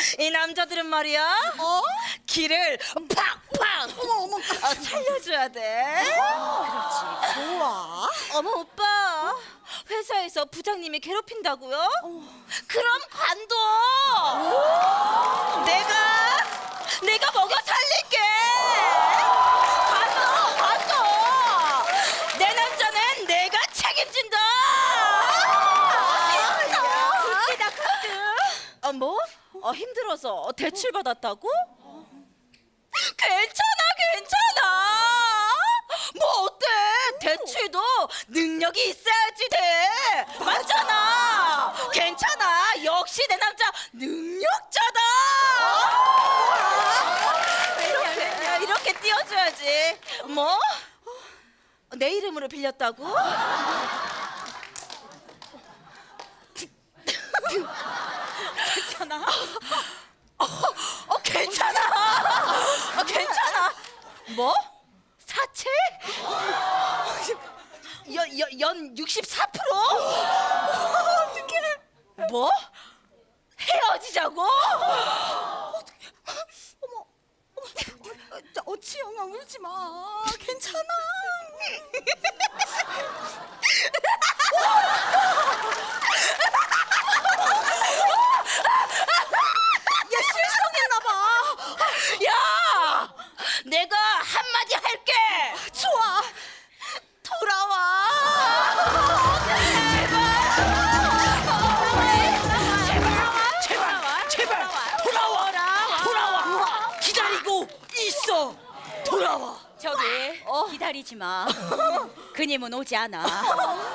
이 남자들은 말이야. 길을 팍팍 살려줘야 돼. 좋아. 어머 오빠, 회사에서 부장님이 괴롭힌다고요? 그럼 관둬. 내가 먹여 살릴게. 관둬. 내 남자는 내가 책임진다. 굿기다 굿. 뭐? 힘들어서 대출 받았다고? 괜찮아. 뭐 어때? 대출도 능력이 있어야지 돼. 맞잖아. 괜찮아. 역시 내 남자 능력자다. 이렇게 띄워줘야지. 뭐? 내 이름으로 빌렸다고? 괜찮아. 괜찮아. 뭐? 사채? 연 64%? 어떡해. 뭐? 헤어지자고? 지영아 울지 마. 괜찮아. 야, 실성했나 봐. 야! 내가 한마디 할게. 좋아. 돌아와. 제발 돌아와. 기다리고 있어. 돌아와. 저기 기다리지 마. 그님은 오지 않아.